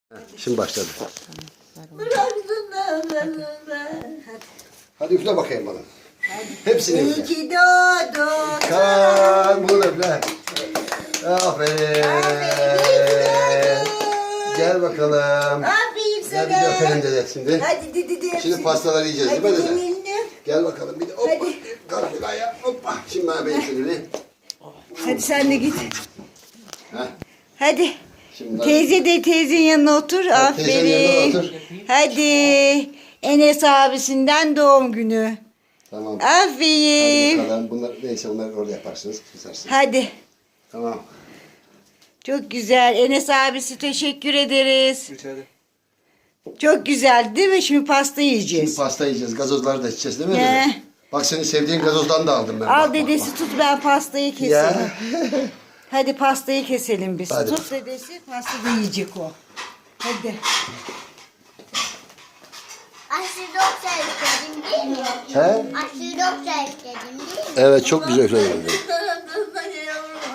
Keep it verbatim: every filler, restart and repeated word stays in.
Şimdi başladı. Hadi üfle bakayım bana. Hepsini üfle. İyi ki doğdun. Kan bunu da üfle. Aferin. Gel bakalım. Aferin sana. Gel bir de öpelim dede şimdi. Hadi dedi de. Şimdi pastaları yiyeceğiz değil mi Hadi dede? yeminle. Gel bakalım bir de hoppa. Hadi. Kalk bir daha ya. Hoppa. Şimdi bana ben şöyle. Hadi sen de git. Heh. Hadi. Şimdi Teyze de teyzenin yanına otur. Hadi teyzenin yanına Aferin. otur. Hadi. Enes abisinden doğum günü. Tamam. Hadi Aferin. bakalım. Bunlar neyse onları orada yaparsınız. Kesersiniz. Hadi. Tamam. Çok güzel. Enes abisi teşekkür ederiz. Rica ederim. Çok güzel değil mi? Şimdi pasta Şimdi yiyeceğiz. pasta yiyeceğiz. Gazozları da içeceğiz değil mi He. dede? Bak senin sevdiğin gazozdan da aldım ben. Al Bak, bak, dedesi bak. tut, ben pastayı keselim. Ya. Hadi pastayı keselim biz. Hadi. Tut dedesi, pasta da yiyecek o. Hadi. Aşırı doktor istedim değil mi? He? Aşırı doktor istedim değil mi? Evet çok güzel üfledin.